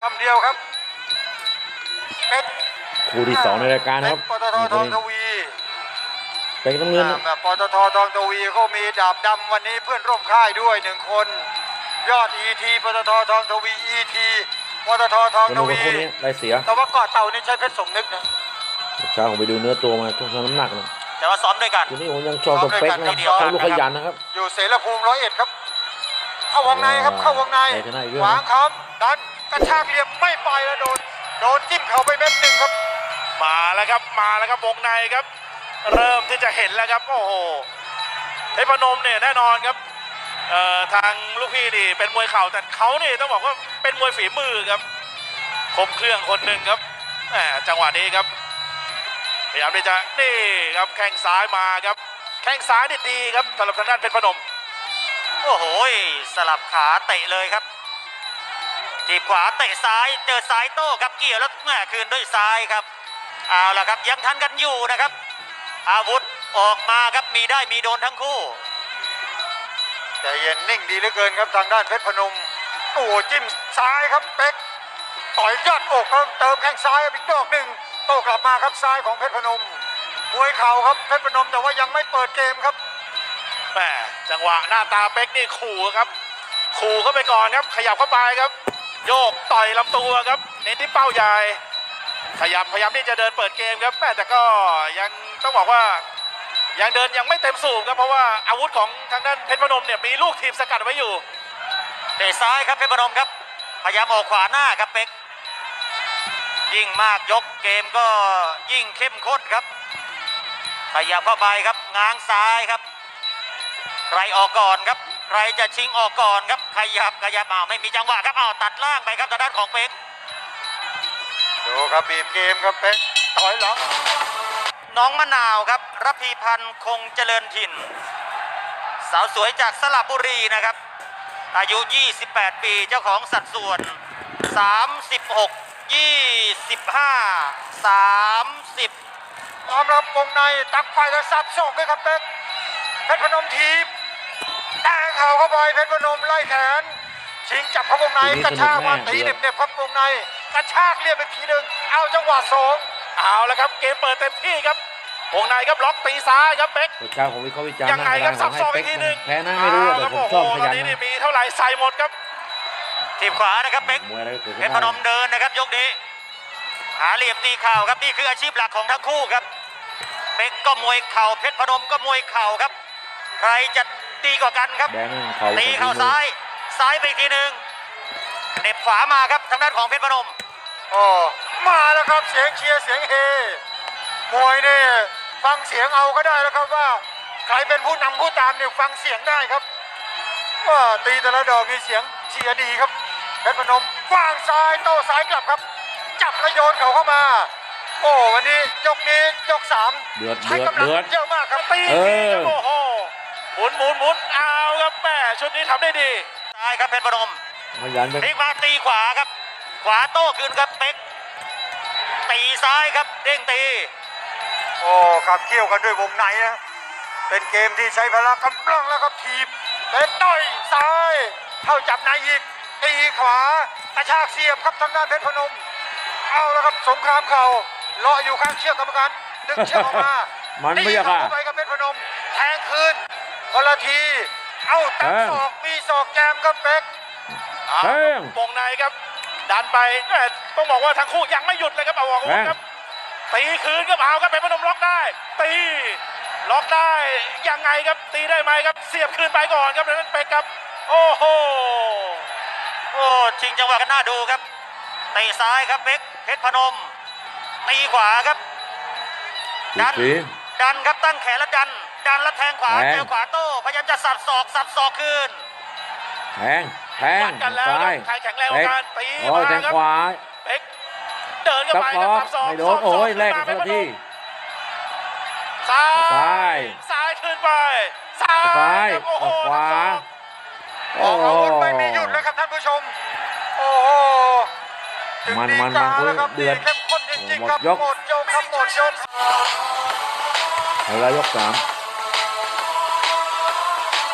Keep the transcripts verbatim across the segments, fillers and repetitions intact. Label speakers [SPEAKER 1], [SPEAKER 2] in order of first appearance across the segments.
[SPEAKER 1] คำเดียวครับเป็น
[SPEAKER 2] คู่ที่สองในรายการครับ
[SPEAKER 1] ปตททองทวี
[SPEAKER 2] เป็นน้ำเงิน
[SPEAKER 1] ปตททองทวีเขามีดาบดำวันนี้เพื่อนร่วมค่ายด้วยหนึ่งคนยอด อี ที ปตททองทวี อี ที ปตททองทวี
[SPEAKER 2] ได้เสีย
[SPEAKER 1] แต่ว่าเกาะเต่านี่ใช้เพชรสมนึกนะ
[SPEAKER 2] เช้าผมไปดูเนื้อตัวมาช่วงน้ำหนักนะ
[SPEAKER 3] แต่ว่าซ้อมด้วยกัน
[SPEAKER 2] ทีนี้ผมยังชอบสเปคนะเขาลูกขยันนะครับ
[SPEAKER 1] อยู่เสรภูมิร้อยเอ็ดครับเข้าวงในครับเข้าวงในขวางคำดันกระชากเหลี่ยมไม่ไปแล้วโดนโดนจิ้มเข่าไปเม็ดหนึ่งครับ
[SPEAKER 4] มาแล้วครับมาแล้วครับวงในครับเริ่มที่จะเห็นแล้วครับโอ้โหเพชรพนมเนี่ยแน่นอนครับเอ่อทางลูกพี่นี่เป็นมวยเข่าแต่เขานี่ต้องบอกว่าเป็นมวยฝีมือครับครบเครื่องคนหนึ่งครับแหมจังหวะนี้ครับพยายามที่จะนี่ครับแข้งซ้ายมาครับแข้งซ้ายนี่ดีครับสำหรับทางด้านเพชรพนม
[SPEAKER 3] โอ้โหสลับขาเตะเลยครับทีบขวาเตะซ้ายเจอซ้ายโต้ครับเกี่ยวแล้วแม่คืนด้วยซ้ายครับเอาล่ะครับยังทันกันอยู่นะครับอาวุธออกมาครับมีได้มีโดนทั้งคู่
[SPEAKER 1] แต่เย็นนิ่งดีเหลือเกินครับทางด้านเพชรพนมโอ้จิ้มซ้ายครับเป๊กต่อยยอดอกครับเติมแข้งซ้ายอีกดอกหนึ่งโต้กลับมาครับซ้ายของเพชรพนมมวยเข่าครับเพชรพนมแต่ว่ายังไม่เปิดเกมครับ
[SPEAKER 4] แหมจังหวะหน้าตาเป๊กนี่ขู่ครับขู่เข้าไปก่อนครับขยับเข้าไปครับโยกต่อยลำตัวครับเน้นที่เป้าใหญ่ขยับพยายามที่จะเดินเปิดเกมครับแต่ก็ยังต้องบอกว่ายังเดินยังไม่เต็มสูบครับเพราะว่าอาวุธของทางด้านเพชรพนมเนี่ยมีลูกทีมสกัดไว้อยู่
[SPEAKER 3] เตะซ้ายครับเพชรพนมครับพยายามออกขวาหน้าครับเป๊กยิ่งมากยกเกมก็ยิ่งเข้มข้นครับขยับเข้าไปครับง้างซ้ายครับใครออกก่อนครับใครจะชิงออกก่อนครับขยับขยับอ้าวไม่มีจังหวะครับอ้าวตัดล่างไปครับทางด้านของเป๊ก
[SPEAKER 1] ดูครับบีบเกมครับเป๊กถอยหลัง
[SPEAKER 3] น้องมะนาวครับรพีพันธ์คงเจริญถิ่นสาวสวยจากสระบุรีนะครับอายุยี่สิบแปดปีเจ้าของสัดส่วนสามสิบหก ยี่สิบห้า สามสิบ
[SPEAKER 1] พร้อมรับวงในตักไฟแล้วสับศอกด้วยครับเป๊กเพชรพนมทีบแต่เข่าเข้าไปเพชรพนมไล่แขนชิงจับเข้าวงในกระชากมาตีเน็บๆครับวงในกระชากเรียบไปทีหนึ่งเอาจังหวะสอง
[SPEAKER 4] เอาแล้วครับเกมเปิดเต็มที่ครับวงในครับล็อกตีซ้ายครับเป๊ก
[SPEAKER 2] เช้าผมวิเคราะห์วิจารณ์
[SPEAKER 4] ยังไงครับสับศอกอีกทีหนึ่ง
[SPEAKER 2] แพ้นะไม่รู้แต่ผมชอบขยัน
[SPEAKER 4] นี่มีเท่าไหร่ใส่หมดครับ
[SPEAKER 3] ทีมขวานะครับเป๊กเพชรพนมเดินนะครับยกนี้หาเหลี่ยมตีเข่าครับนี่คืออาชีพหลักของทั้งคู่ครับเป๊กก็มวยเข่าเพชรพนมก็มวยเข่าครับใครจะตีกว่ากันครับตีเข่าซ้ายซ้ายไปอีกทีหนึ่งเน็บขวามาครับทางด้านของเพชรพนม
[SPEAKER 1] โอ้มาแล้วครับเสียงเชียร์เสียงเฮมวยเนี่ยฟังเสียงเอาก็ได้แล้วครับว่าใครเป็นผู้นำผู้ตามเนี่ยฟังเสียงได้ครับว่าตีแต่ละดอกมีเสียงเชียร์ดีครับเพชรพนมวางซ้ายโต้ซ้ายกลับครับจับแล้วโยนเขาเข้ามาโอ้วันนี้ยกนี้ยกสาม
[SPEAKER 2] เดือดเดือดเดือด
[SPEAKER 1] เยอะมากครับ
[SPEAKER 4] ตีโอ้โหหมุนหมุนหมุนเอาครับแม่ชุดนี้ทำได้ดี
[SPEAKER 3] ซ้ายครับเพชรพนม
[SPEAKER 2] พยัน
[SPEAKER 3] พลิกมาตีขวาครับขวาโต้คืนครับเป๊กตีซ้ายครับเด้งตี
[SPEAKER 1] โอ้ขับเคี่ยวกันด้วยวงในนะเป็นเกมที่ใช้พละกำลังแล้วครับทีบเป็นต่อยซ้ายเข้าจับในอีกตีขวากระชากเสียบครับทางด้านเพชรพนมเอาแล้วครับสงครามเข่าเลาะอยู่ข้างเชือกกรรมการดึงเชือกออกมา
[SPEAKER 2] มันไม่ยากอ่ะ
[SPEAKER 1] ไปกับเพชรพนมแทงคืนคนละทีเอาตั้งศอกมีศอกแจมครับเป๊ก
[SPEAKER 2] แทง
[SPEAKER 4] วงในครับดันไปต้องบอกว่าทั้งคู่ยังไม่หยุดเลยครับเอาออกครับตีคืนครับเอาครับเพชรพนมล็อกได้ตีล็อกได้ยังไงครับตีได้ไหมครับเสียบคืนไปก่อนครับแล้วนั้นเป๊กครับโอ้โห
[SPEAKER 3] โอ้ชิงจังหวะกันน่าดูครับตีซ้ายครับเป๊กเพชรพนมตีขวาครับดันดันครับตั้งแขนแล้วดันดันแล้วแทงขวาเจอขวาโต้พยายามจะสับศอกสับศอกคืน
[SPEAKER 2] แทงแทง
[SPEAKER 4] ซ้ายใครแข็งแรงกันตี
[SPEAKER 2] มาแทงขวา
[SPEAKER 4] เป๊กเดินกันไปสับศอก
[SPEAKER 2] ไม่โดนโอ้ยแรกกันที
[SPEAKER 4] ซ้ายซ้ายขึ้นไปซ้าย
[SPEAKER 2] โอ้โหขวา
[SPEAKER 1] โอ้โหไม่มีหยุดเลยครับท่านผู้ชมโอ้โห
[SPEAKER 2] มันมันมันเดือด
[SPEAKER 1] หมดยกหมดยกครับหมดยก
[SPEAKER 2] เอาละยกสาม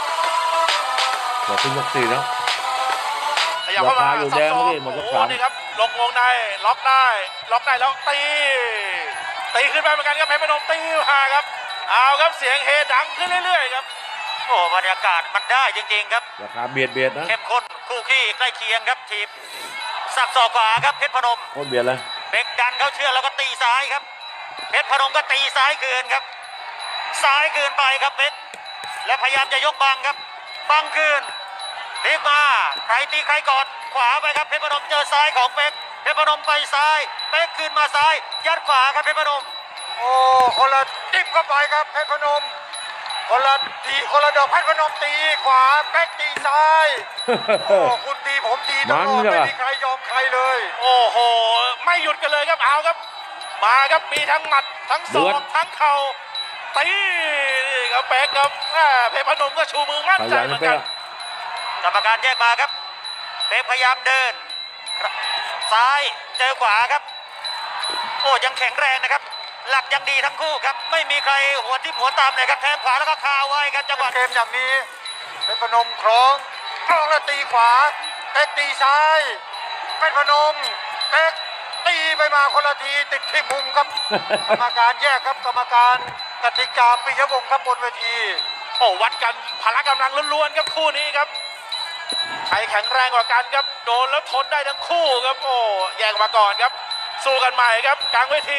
[SPEAKER 2] หมดขึ้นยกสี่แล้ว
[SPEAKER 4] ขยับเข้ามา
[SPEAKER 2] อยู่แดงเมื่อกี้หมดยกสาม
[SPEAKER 4] ลงวงในล็อกได้ล็อกได้แล้วตีตีขึ้นไปเหมือนกันครับเพชรพนมตีมาครับเอาครับเสียงเฮดังขึ้นเรื่อยๆครับ
[SPEAKER 3] โอ้บรรยากาศมันได้จริงๆครับ
[SPEAKER 2] ราคาเบียดเบียดนะ
[SPEAKER 3] เข้มข้นคู่ขี้ใกล้เคียงครับทีมสับศอกขวาครับเพชรพนม
[SPEAKER 2] โคตรเบียดเลย
[SPEAKER 3] เบกดันเขาเชื่อกแล้วก็ตีซ้ายครับเพชรพนมก็ตีซ้ายเกินครับซ้ายเกินไปครับเพชรและพยายามจะยกบังครับบังคืนพลิกมาใครตีใครก่อนขวาไปครับเพชรพนมเจอซ้ายของเป็กเพชรพนมไปซ้ายเป็กคืนมาซ้ายยัดขวาครับเพชรพนม
[SPEAKER 1] โอ้คนละจิ้มเข้าไปครับเพชรพนมคนละทีคนละดอกเพชรพนมตีขวาแป๊กตีซ้ายโอ้คุณตีผมตีตลอดไม่มีใครยอมใครเลย
[SPEAKER 4] โอ้โหไม่หยุดกันเลยครับเอาครับมาครับมีทั้งหมัดทั้งศอกทั้งเข่าตีนี่ครับเป๊กครับแม่เพชรพนมก็ชูมือมั่น
[SPEAKER 2] ข
[SPEAKER 4] ใจ
[SPEAKER 2] ยัน
[SPEAKER 4] เหมือน
[SPEAKER 2] เป๊
[SPEAKER 4] กั
[SPEAKER 2] ก
[SPEAKER 4] น
[SPEAKER 3] กรรมการแยกมาครับเป๊กพยายามเดิน ซ้ายเจอขวาครับ โอ้ยังแข็งแรงนะครับ หลักยังดีทั้งคู่ครับ ไม่มีใครหัวทิ่มหัวตามเลยครับแทงขวาแล้วก็คาไว้ครับจังหวะ
[SPEAKER 1] เกมอย่างนี้เพชรพนมคล้องคล้องแล้วตีขวาเป๊กตีซ้ายเพชรพนมเป๊กตีไปมาคนละทีติดที่มุมครับ กรรมการแยกครับกรรมการกติกาปิยวงศ์ครับบนเวที
[SPEAKER 4] โอ้วัดกันพละกำลังล้วนๆครับคู่นี้ครับใครแข็งแรงกว่ากันครับโดนแล้วทนได้ทั้งคู่ครับโอ้แยกมาก่อนครับสู้กันใหม่ครับกลางเวที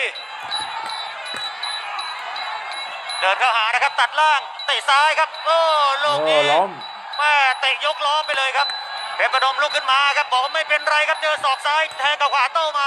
[SPEAKER 3] เดินเข้าหานะครับตัดล่างเตะซ้ายครับ โอ้ลูก
[SPEAKER 2] โอ้
[SPEAKER 3] นี้
[SPEAKER 2] ล้ม
[SPEAKER 3] แม่เตะยกล้อไปเลยครับเพชรพนมลุกขึ้นมาครับบอกว่าไม่เป็นไรครับเจอศอกซ้ายแทงกับขวาโต้มา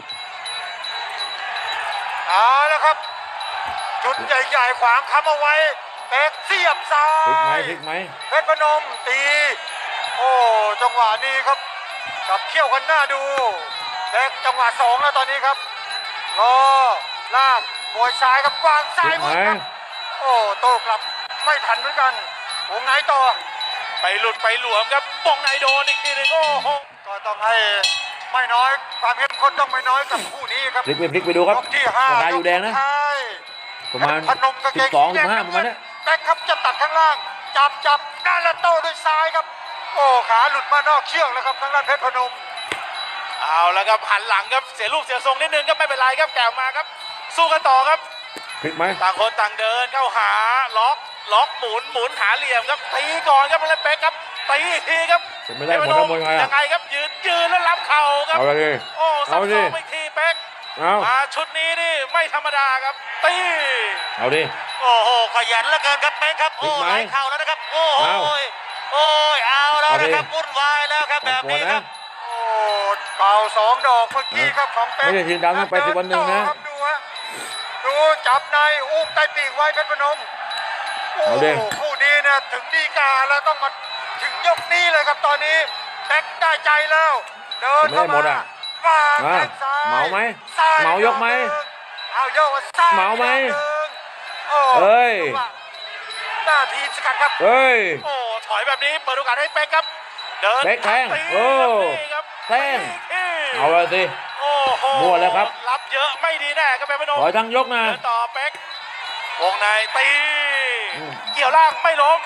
[SPEAKER 1] เอาแล้วครับ จุดใหญ่ๆขวางค้ำเอาไว้เป๊กเสียบซ้า
[SPEAKER 2] พลิกไหม
[SPEAKER 1] ย
[SPEAKER 2] พลิกไหม
[SPEAKER 1] เพชรพนมตี โอ้จังหวะนี้ครับกับเขี้ยวกันหน้าดูเป๊กจังหวะสองแล้วตอนนี้ครับรอลากมวยซ้ายกับวาง
[SPEAKER 2] พ
[SPEAKER 1] ซ้า
[SPEAKER 2] ลิ
[SPEAKER 1] ย
[SPEAKER 2] ก
[SPEAKER 1] มื
[SPEAKER 2] ไหม
[SPEAKER 1] อครับโอ้โต้กลับไม่ทันเหมือนกันวงไหนต่อ
[SPEAKER 4] ไปหลุดไปหลวมครับบงในโดนอีกทีหนึงโอ้โห
[SPEAKER 1] ก็ต้องให้ไม่น้อยความเข้มข้นต้องไม่น้อยกับคู่นี้ครับ
[SPEAKER 2] พลิกไปพลิกไปดูครับ
[SPEAKER 1] ยกที่ห้า
[SPEAKER 2] ราคาอยู่แดงนะ
[SPEAKER 1] กสุท้าย
[SPEAKER 2] ประมาณ
[SPEAKER 1] พนมกาง
[SPEAKER 2] สิ
[SPEAKER 1] เก
[SPEAKER 2] บ
[SPEAKER 1] ง
[SPEAKER 2] สอง
[SPEAKER 1] สี
[SPEAKER 2] สิ
[SPEAKER 1] แด
[SPEAKER 2] บห้าประมาณเนี้ย
[SPEAKER 1] แบ็คครับจะตัดข้างล่าง จับจับด้านละโต้ด้วยซ้ายครับ โอ้ขาหลุดมานอกเชือกแล้วครับทางด้านเพชรพนม
[SPEAKER 4] เอาแล้วครับหันหลังครับเสียรูปเสียทรงนิดนึงครับไม่เป็นไรครับแกวมาครับ สู้กันต่อครับ
[SPEAKER 2] พลิกไหม
[SPEAKER 4] ต่างคนต่างเดินเข้าหาล็อกล็อกหมุนหมุนหาเหลี่ยมครับตีก่อนครับแล้วเป๊กครับตีอีกทีครับ
[SPEAKER 2] เป็นไม่ได้หมดแล้วมวยไง
[SPEAKER 4] ยั
[SPEAKER 2] อ่ะ
[SPEAKER 4] งไงครับยืนยืนแล้วรับเข่าครับ
[SPEAKER 2] เอาเลยดิ
[SPEAKER 4] โอ้สับ
[SPEAKER 2] เอา
[SPEAKER 4] ส
[SPEAKER 2] ดิ
[SPEAKER 4] องไปทีเป๊ก
[SPEAKER 2] เอา
[SPEAKER 4] มาชุดนี้นี่ไม่ธรรมดาครับตี
[SPEAKER 2] เอาดิ
[SPEAKER 3] โอ้โหขยันเหลือเกินครับเป๊กครับโอ้
[SPEAKER 2] พลิกไหม
[SPEAKER 3] ไหลเข่าแล้วนะครับโอ้โห
[SPEAKER 2] เอา
[SPEAKER 3] โอ้ยเอาแล้ว
[SPEAKER 2] เอาดิ
[SPEAKER 3] นะครับวุ่นวายแล้วครับแบบนี้ครับ
[SPEAKER 1] โอ้เก่าสองดอกเมื่อกี้ครับของเป๊ก
[SPEAKER 2] ไม่ใช่ทีมดำต้องไปสิบวันหนึ่งนะ
[SPEAKER 1] เดิต่อครับดูฮะดูจับในอุ้มใต้ปีกไว้เพชรพนมโอ้
[SPEAKER 2] เอาดิ
[SPEAKER 1] คู่นี้เนี่ยถึงดีกาแล้วต้องมาถึงยกนี้เลยครับตอนนี้แบ็คได้ใจแล้ว เดินเข้า
[SPEAKER 2] ไม่ได้หม
[SPEAKER 1] มา
[SPEAKER 2] ดอะ
[SPEAKER 1] วาง
[SPEAKER 2] มา
[SPEAKER 1] แข้งซ้าย
[SPEAKER 2] เหมาไหม
[SPEAKER 1] ซ้ย
[SPEAKER 2] เหมายกไหม
[SPEAKER 1] เอาโยกมาซ้าย
[SPEAKER 2] เหมาไหม
[SPEAKER 1] ดอกนึ่งโอ้
[SPEAKER 2] เอ้ย
[SPEAKER 1] จังหวะหน้าทีมสกัดครับ
[SPEAKER 2] เฮ้ย
[SPEAKER 4] โอ้ถอยแบบนี้เปิดโอกาสให้เป๊กครับ เดิน
[SPEAKER 2] เป๊กแทง
[SPEAKER 4] ตี
[SPEAKER 2] โอ้
[SPEAKER 4] นี่ครับ
[SPEAKER 2] แทง
[SPEAKER 4] ตี
[SPEAKER 2] เอาเลยสิ
[SPEAKER 4] โอ้โห
[SPEAKER 2] มั่วแล้วครับ
[SPEAKER 4] รับเยอะไม่ดีแน่ครับเป็นพนม
[SPEAKER 2] ถอยทั้งยกนะ
[SPEAKER 4] เดินต่อเป๊กวงในตี
[SPEAKER 2] อืม
[SPEAKER 4] เกี่ยวล่างไม่ล้ม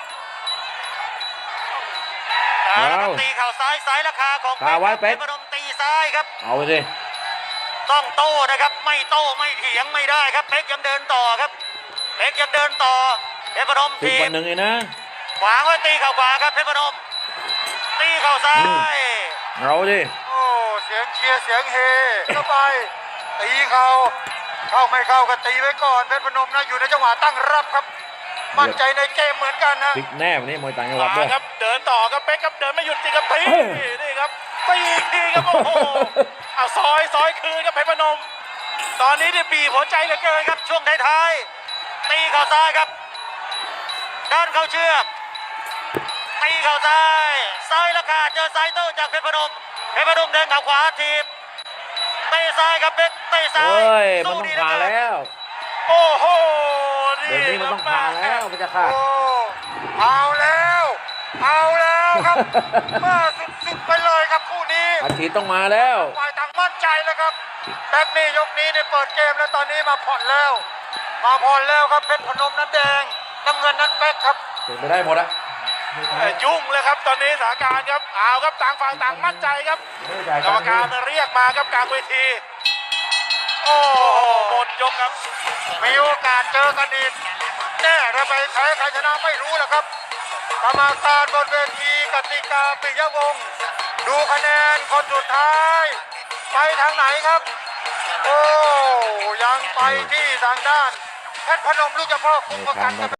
[SPEAKER 3] เอาละครับตีเข่าซ้ายซ้ายราคาของ
[SPEAKER 2] คาไว้เป๊ก
[SPEAKER 3] พนมตีซ้ายครับ
[SPEAKER 2] เอาไปสิ
[SPEAKER 3] ต้องโต้นะครับไม่โต้ไม่เถียงไม่ได้ครับเป๊กยังเดินต่อครับเป๊กยังเดินต่อเพชรพนม
[SPEAKER 2] สิบ
[SPEAKER 3] ที
[SPEAKER 2] วั
[SPEAKER 3] ม
[SPEAKER 2] นหนึ่งเองนะ
[SPEAKER 3] ขวางไว้ตีเข่าขวาครับเพชรพนมตีเข่าซ้า
[SPEAKER 2] อืม
[SPEAKER 3] ย
[SPEAKER 2] เอาดิ
[SPEAKER 1] โอ้เสียงเชียร์เสียงเฮเข้าไปตีเขาเข้าไม่เข้าก็ตีไว้ก่อนเพชรพนมนะอยู่ในจังหวะตั้งรับครับ มั่นใจในเกมเหมือนกันนะ
[SPEAKER 2] พลิกแน่วันนี้มวยต่างจังหวัด
[SPEAKER 4] มา
[SPEAKER 2] ด้วย
[SPEAKER 4] ครับเดินต่อครับเป๊กครับเดินไม่หยุดจริงครับตี
[SPEAKER 2] เอ้ย
[SPEAKER 4] นี่ครับตีอีกทีครับโอ้โหเอาซอยซอยคืนครับเพชรพนม ตอนนี้เนี่ยบีบหัวใจเหลือเกินครับ
[SPEAKER 3] ช่วงท้ายๆตีเข่าซ้ายครับด้านเข้าเชือกตีเข่าซ้ายซ้ายราคาเจอซ้ายโต้จากเพชรพนมเพชรพนมเดินเข่าขวาทีมเตะซ้ายครับเพชรเตะซ้า
[SPEAKER 2] เฮ้
[SPEAKER 3] ย
[SPEAKER 2] ย มันต้องผ่าแล้ว
[SPEAKER 4] โอ้โห
[SPEAKER 2] เดี๋ยวนี้มันต้องผ่าแล้วมันจะขาด
[SPEAKER 1] โอ้เอาแล้ว เอาแล้วครับ มาสุดๆไปเลยครับคู่นี้
[SPEAKER 2] อาทิตย์ต้องมาแล้ว
[SPEAKER 1] ฝ่ายต่างมั่นใจแล้วครับแบ็คนี่ยกนี้เนี่ยเปิดเกมแล้วตอนนี้มาผ่อนแล้ว มาผ่อนแล้วครับเพชรพนมนั้นแดงน้ำเงินนั้นแบ็คครับ
[SPEAKER 2] เป็นไปได้หมดอะ
[SPEAKER 4] เอ่อยุ่งเลยครับตอนนี้สถานการณ์ครับเอาครับต่างฝ่ายต่างมั่นใจครับกรรมการเรียกมาครับกลางเวทีโอ้โหหมดยกครับ
[SPEAKER 1] มีโอกาสเจอกันอีกแน่ถ้าไปแพ้ใครชนะไม่รู้แหละครับกรรมการบนเวทีกติกาปิยวงศ์ดูคะแนนคนสุดท้าย ไปทางไหนครับ โอ้ยังไปที่ทางด้านเพชรพนมลูกเจ้าพ่อคุมประกัน